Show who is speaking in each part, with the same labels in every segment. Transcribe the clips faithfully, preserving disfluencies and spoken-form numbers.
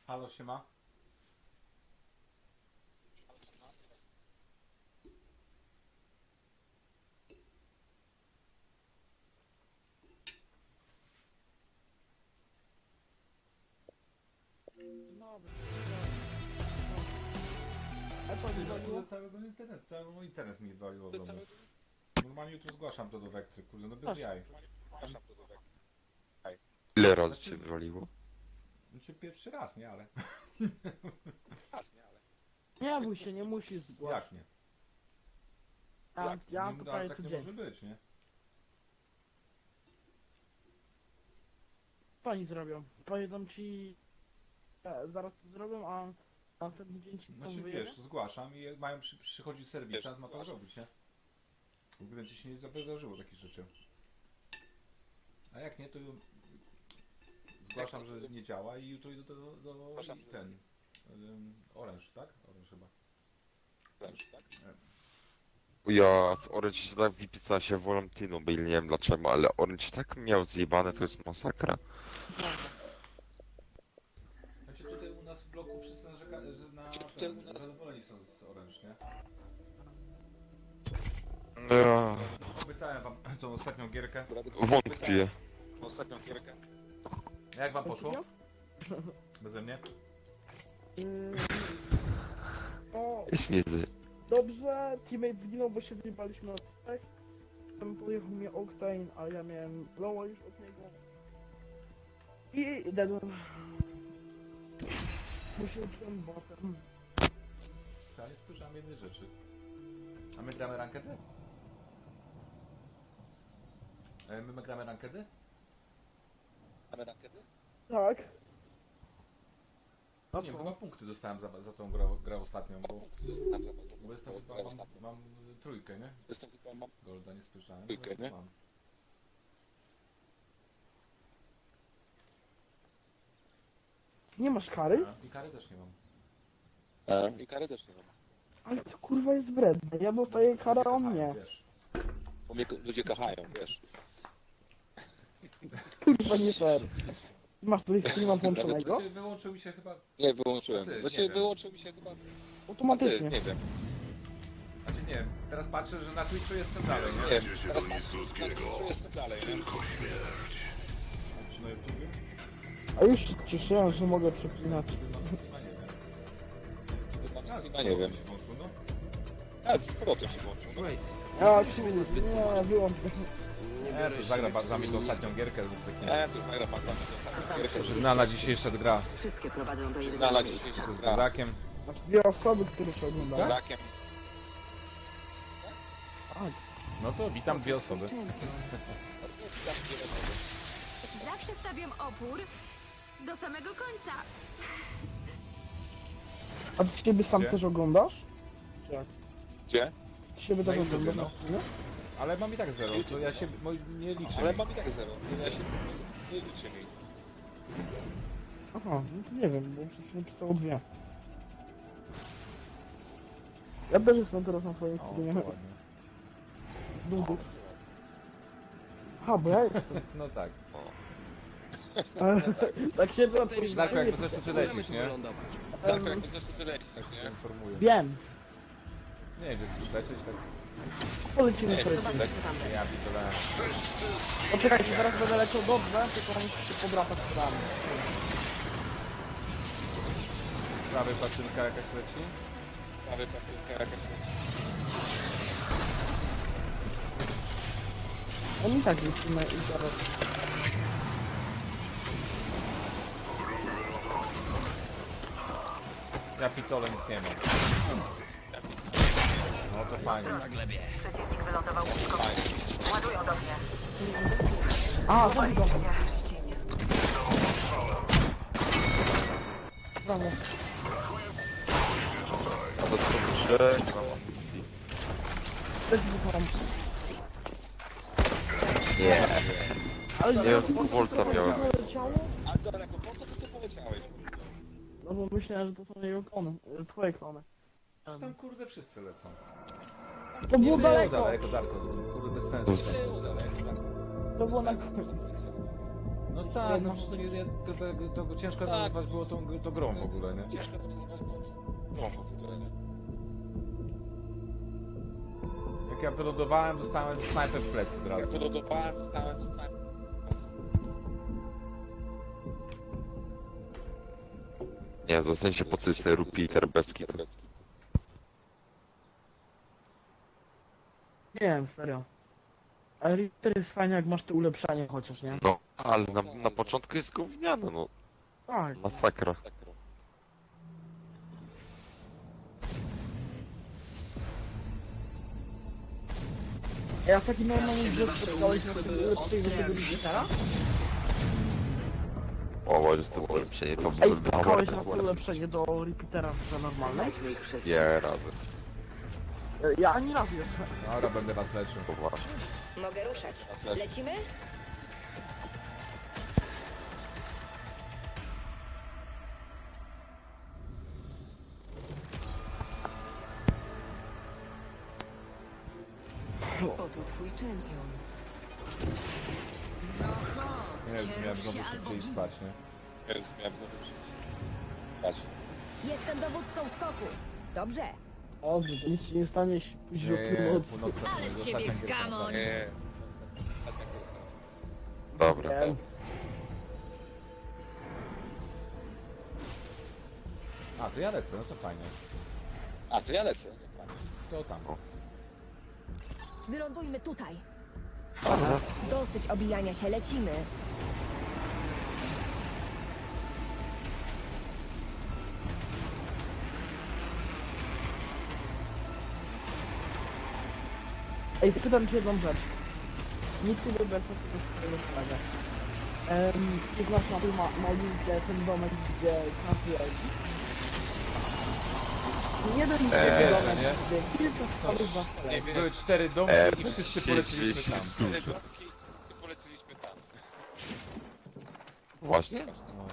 Speaker 1: Halo, siema.
Speaker 2: A to nie
Speaker 1: Do
Speaker 2: zabiło?
Speaker 1: całego internetu, cały mój internet mi waliło w domu. Normalnie jutro zgłaszam to do Wektry, kurde, no bez
Speaker 2: Proszę.
Speaker 1: jaj.
Speaker 3: Ile razy cię wywaliło?
Speaker 1: Znaczy pierwszy raz, nie, ale...
Speaker 2: Nie bój się, nie musisz zgłaszać.
Speaker 1: Jak nie?
Speaker 2: Ja, ja mam
Speaker 1: nie,
Speaker 2: to
Speaker 1: ale
Speaker 2: prawie
Speaker 1: tak nie
Speaker 2: codziennie.
Speaker 1: może być, nie?
Speaker 2: Co oni zrobią? Powiedzą ci... E, zaraz to zrobią, a następny dzień ci to
Speaker 1: Znaczy
Speaker 2: wyjedzie?
Speaker 1: wiesz, zgłaszam i mają przy, przychodzić serwisant, ma to zrobić, nie? W ogóle ci się nie wydarzyło takich rzeczy. A jak nie, to zgłaszam, że nie działa i jutro idę do, do, do i ten... Um, Orange, tak? Orange chyba.
Speaker 3: Ja z Orange się tak wypisała się wolą T-Mobile, nie wiem dlaczego, ale Orange tak miał zjebane, to jest masakra.
Speaker 1: Znaczy tutaj u nas w bloku wszyscy narzeka, że na ten, zadowoleni są z Orange, nie?
Speaker 3: Ja
Speaker 1: Obiecałem wam tą ostatnią gierkę.
Speaker 3: wątpię.
Speaker 4: Ostatnią gierkę.
Speaker 1: Jak wam poszło? Beze mnie?
Speaker 2: Yy, o,
Speaker 3: Jest nie z...
Speaker 2: dobrze, teammate zginął, bo się wyjebaliśmy na trzech. Potem pojechał mnie Octane, a ja miałem lowa już od niego. I dedłem. Bo się uczyłem botem.
Speaker 1: Ja nie spojrzałem jednej rzeczy. A my gramy rankedy? E, My gramy rankedy?
Speaker 4: Mamy rakiety?
Speaker 2: Tak. A
Speaker 1: Nie,
Speaker 2: co?
Speaker 1: chyba punkty dostałem za, za tą grę, grę ostatnią, bo,
Speaker 4: Tam za
Speaker 1: bo jestem chyba, mam, mam trójkę, nie?
Speaker 4: Jestem chyba mam.
Speaker 1: Golda nie spojrzałem.
Speaker 4: Trójkę,
Speaker 1: ale
Speaker 4: nie?
Speaker 1: Mam.
Speaker 2: Nie masz kary?
Speaker 1: A, I kary też nie mam.
Speaker 4: E, I kary też nie mam.
Speaker 2: Ale to kurwa jest wredne. Ja dostaję karę, a on nie.
Speaker 1: Wiesz.
Speaker 4: Bo mnie ludzie kochają, wiesz.
Speaker 2: Kurwa nie fair. Masz tutaj streama
Speaker 1: To
Speaker 2: włączonego?
Speaker 1: się wyłączył mi się chyba...
Speaker 4: Nie, wyłączyłem.
Speaker 1: A ty,
Speaker 4: Znaczy
Speaker 1: nie wiem.
Speaker 4: wyłączył mi się chyba... A ty,
Speaker 2: Automatycznie.
Speaker 4: nie wiem.
Speaker 1: Znaczy nie wiem, teraz patrzę, że na Twitchu jestem dalej,
Speaker 4: Nie
Speaker 1: nie?
Speaker 4: wiem. Teraz patrzę, jestem dalej, nie?
Speaker 1: Czy na YouTubie?
Speaker 2: A już się cieszyłem, że mogę przepinać.
Speaker 1: Chyba nie wiem. A,
Speaker 4: Chyba nie wiem.
Speaker 1: się włączył, no.
Speaker 4: A, z powrotem się włączył.
Speaker 5: Słuchaj,
Speaker 2: Ja
Speaker 5: musimy
Speaker 2: kurde,
Speaker 5: nazbyt
Speaker 2: nie, wyłącz go.
Speaker 5: nie
Speaker 1: Ja to
Speaker 5: biorę
Speaker 1: zagra
Speaker 5: się
Speaker 1: bardzo za mnie tą ostatnią gierkę.
Speaker 4: E, tu nagra pan tam.
Speaker 1: Żurnala dzisiejsza gra
Speaker 6: Wszystkie prowadzą do jednego
Speaker 4: Nala
Speaker 6: miejsca.
Speaker 4: dzisiaj
Speaker 1: ze
Speaker 4: z gra.
Speaker 1: Zgazakiem.
Speaker 2: Znaczy dwie osoby, które się oglądają.
Speaker 4: Brakiem.
Speaker 2: Tak.
Speaker 1: No to witam dwie osoby.
Speaker 7: Zawsze stawiam opór do samego końca.
Speaker 2: A ty siebie sam
Speaker 1: Gdzie?
Speaker 2: też oglądasz?
Speaker 4: Gdzie?
Speaker 2: Ty siebie
Speaker 1: Na
Speaker 2: też
Speaker 1: YouTubie,
Speaker 2: oglądasz
Speaker 1: no.
Speaker 2: na streamie?
Speaker 1: Ale mam i tak zero, to ja się moi, nie liczę.
Speaker 4: Ale mam i tak zero. Ja się nie liczę mi.
Speaker 2: Aha, no to nie wiem, bo przed chwilą pisało dwie. Ja też jestem teraz na swoim
Speaker 1: O, to
Speaker 2: streamie.
Speaker 1: ładnie.
Speaker 2: Długo. Aha, bo ja jestem.
Speaker 1: No tak.
Speaker 2: Tak się to
Speaker 1: Darku, jakby coś to ty
Speaker 5: Możemy
Speaker 1: lecisz,
Speaker 5: się
Speaker 1: nie?
Speaker 5: wylądować.
Speaker 4: Tak, jakby zresztą tyle lecisz,
Speaker 1: Tak się
Speaker 4: nie?
Speaker 1: informuję.
Speaker 2: Wiem.
Speaker 1: Nie wiem, gdzie chcesz lecieć, tak.
Speaker 2: Polecimy
Speaker 4: Nie,
Speaker 2: sobie.
Speaker 6: Zobaczmy, co tam będzie.
Speaker 1: Ja pitole.
Speaker 2: Poczekajcie, zaraz będę leciał dobrze, tylko muszę się pobracać z wami.
Speaker 1: Z prawej patynka jakaś leci.
Speaker 4: Prawie papierka jakaś leci.
Speaker 2: Oni tak lecimy i zaraz.
Speaker 1: Ja pitole nic nie mam. No to fajnie.
Speaker 5: Na glebie.
Speaker 6: Przeciwnik wylądował blisko. Ładują do mnie.
Speaker 2: A, to widzą.
Speaker 6: Pierścienie.
Speaker 2: Brawo.
Speaker 3: A to skończę, nie mam amunicji.
Speaker 2: Też wychowam.
Speaker 3: Nie,
Speaker 2: Ale
Speaker 3: nie wiem, Volta miałem.
Speaker 2: Leciało?
Speaker 4: A daleko, po co ty tu poleciałeś?
Speaker 2: No bo myślałem, że to są jego klony, e, twoje klony.
Speaker 1: Przecież tam kurde wszyscy lecą.
Speaker 2: To było daleko,
Speaker 1: daleko, daleko. Kurde bez sensu.
Speaker 3: Us.
Speaker 1: Daleko, daleko.
Speaker 2: to było na końcu.
Speaker 1: No
Speaker 2: To
Speaker 1: tak,
Speaker 2: jedno-
Speaker 1: no przecież to, nie, to, to, to, to ciężko
Speaker 4: Tak.
Speaker 1: nazwać było tą, tą grą w ogóle, nie?
Speaker 4: Ciężko to nazywać, bo... No, w ogóle, nie?
Speaker 1: Jak ja wylądowałem, dostałem snajper w plecy od
Speaker 4: Jak
Speaker 1: razu.
Speaker 4: wylądowałem, dostałem, dostałem...
Speaker 3: Nie, zostańcie po co jest ten repeater bez kitu.
Speaker 2: Nie wiem, serio. Ale Reaper jest fajnie, jak masz te ulepszanie chociaż, nie?
Speaker 3: No, ale na, na początku jest gówniane, no.
Speaker 2: Tak.
Speaker 3: Masakra.
Speaker 2: Ja w takim normalnym grze spotkałeś na tym ulepszeniu tego Reapera?
Speaker 3: O, bo jest to ulepszenie, to
Speaker 2: Ej,
Speaker 3: by
Speaker 2: spotkałeś na tym ulepszenie do Repeatera w grze normalnej?
Speaker 6: Znajdźmy ich wszystkich.
Speaker 3: Nie, razy.
Speaker 2: E, Ja ani razu jeszcze.
Speaker 1: Dobra, będę was leczył.
Speaker 3: To właśnie.
Speaker 6: Mogę ruszać. Lecimy? Oto twój czempion.
Speaker 1: Nie wiem, miałem znowu szybciej spać, nie?
Speaker 4: Jezus, miałem znowu przyjść. Patrz.
Speaker 7: Jestem dowódcą skoku. Dobrze.
Speaker 2: O, to nic się nie stanie, jeśli pójdziesz o
Speaker 1: Nie,
Speaker 2: północy.
Speaker 1: północna to
Speaker 7: Ale
Speaker 1: jest
Speaker 7: z ciebie
Speaker 1: ostatnia gierka,
Speaker 7: gamoń.
Speaker 1: naprawdę.
Speaker 4: Nie.
Speaker 3: Dobra.
Speaker 2: Nie.
Speaker 1: A, to ja lecę, no to fajnie.
Speaker 4: A, to ja lecę. To fajnie.
Speaker 1: To tam.
Speaker 7: Wylądujmy tutaj.
Speaker 3: Dobra.
Speaker 7: Dosyć obijania się, lecimy.
Speaker 2: Ej, pytam cię jedną rzecz. Nic nie lubię co tego swojego sprawy. Ehm, ty znasz na tym ma, malutkie ten domek, gdzie każdy jeździ? Jeden
Speaker 3: Eee,
Speaker 2: domek,
Speaker 1: nie?
Speaker 2: gdzie kilka stolów za
Speaker 4: Nie
Speaker 2: stolem.
Speaker 4: wiem.
Speaker 1: Były cztery domki
Speaker 3: E,
Speaker 1: i wszyscy poleciliśmy tam.
Speaker 4: Te domki i poleciliśmy tam.
Speaker 3: Właśnie?
Speaker 1: No.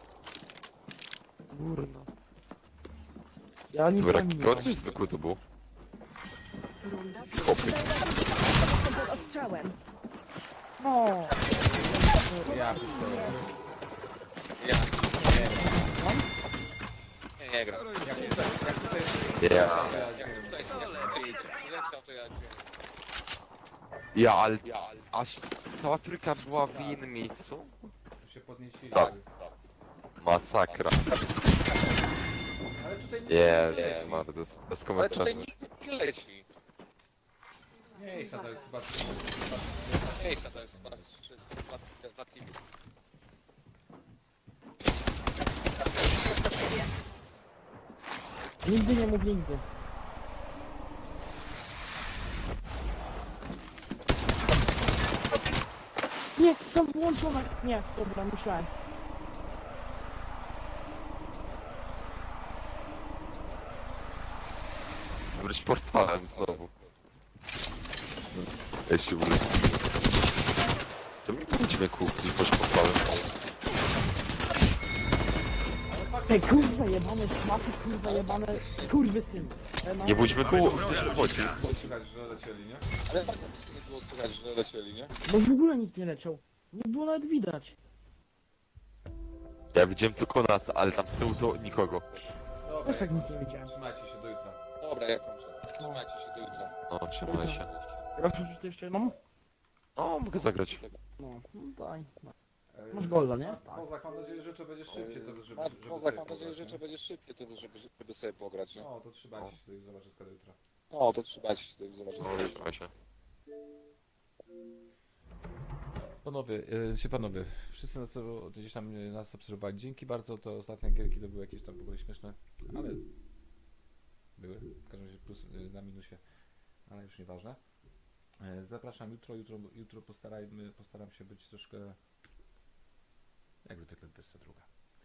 Speaker 3: Kurno.
Speaker 2: Ja nie
Speaker 3: To
Speaker 2: wiem,
Speaker 3: jak to coś zwykły to był.
Speaker 6: Runda
Speaker 3: Chłopy.
Speaker 7: Jestem pod ostrzałem.
Speaker 2: No,
Speaker 1: Ja pierdolę.
Speaker 4: Ja. Nie, nie gram.
Speaker 1: Jak tutaj, jak tutaj...
Speaker 3: Ja,
Speaker 4: Jak tutaj, jak tutaj leciał, to ja...
Speaker 3: ja, ale aż cała trójka była w innym miejscu?
Speaker 1: Tu się podnieśli.
Speaker 3: Tak. Masakra.
Speaker 1: Ale tutaj nie
Speaker 3: Nie,
Speaker 1: nie
Speaker 3: nie,
Speaker 1: leci.
Speaker 3: Mary, to jest bez
Speaker 4: Ale
Speaker 3: komentarzy.
Speaker 4: tutaj nikt nie leci.
Speaker 1: Miejsca to jest chyba...
Speaker 4: Miejsca to jest chyba trzy, dwa, dwa teamy.
Speaker 2: nigdy nie mów nigdy. Nie, to włączone. Nie, dobra, myślałem.
Speaker 3: Wróć portalem znowu. Ja się wrócę. To mi nie dźwięku, gdzieś wróć portalem.
Speaker 2: Te kurwa jebane szmaty, kurwa jebane kurwy syn.
Speaker 3: Nie bójdźmy koło, gdzieś wychodzi.
Speaker 1: Słychać, że lecieli, nie?
Speaker 4: Ale tak nie było słychać, że lecieli, nie?
Speaker 2: Bo w ogóle nikt nie leciał. Nie było nawet widać.
Speaker 3: Ja widziałem tylko nas, ale tam z tyłu to nikogo.
Speaker 1: Dobra,
Speaker 2: Też tak nic nie widziałem.
Speaker 1: trzymajcie się do jutra.
Speaker 4: Dobra, ja kończę. Trzymajcie się do jutra.
Speaker 3: No, trzymaj się.
Speaker 2: Raz już jeszcze jedną?
Speaker 3: No, mogę zagrać.
Speaker 2: No, no daj.
Speaker 1: E,
Speaker 2: Masz golda, nie?
Speaker 1: a
Speaker 2: Tak.
Speaker 1: Kozak, mam nadzieję, że to będzie szybciej, to żeby,
Speaker 4: A
Speaker 1: żeby
Speaker 4: poza
Speaker 1: sobie
Speaker 4: mam nadzieję,
Speaker 1: pograć,
Speaker 4: że
Speaker 1: nie?
Speaker 4: to będzie szybciej, to żeby, żeby sobie pograć, nie?
Speaker 1: No, to trzymajcie się do zobaczyska do jutra.
Speaker 4: O, to trzymajcie się, to zobaczyć.
Speaker 3: No, trzymaj się.
Speaker 1: Panowie, e, się panowie, wszyscy na co gdzieś tam e, nas obserwowali, dzięki bardzo, to ostatnie gierki to były jakieś tam w ogóle śmieszne, ale były, w każdym razie plus e, na minusie, ale już nieważne. E, Zapraszam jutro, jutro, jutro postarajmy, postaram się być troszkę jak zwykle dwudziesta druga.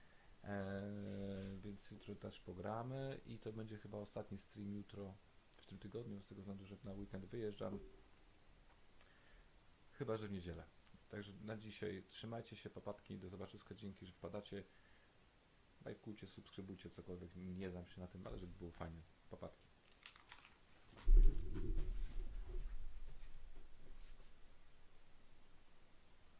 Speaker 1: Eee, więc jutro też pogramy i to będzie chyba ostatni stream jutro w tym tygodniu, z tego względu, że na weekend wyjeżdżam. Chyba, że w niedzielę. Także na dzisiaj trzymajcie się, papatki, do zobaczyska, dzięki, że wpadacie. Lajkujcie, subskrybujcie, cokolwiek, nie znam się na tym, ale żeby było fajnie.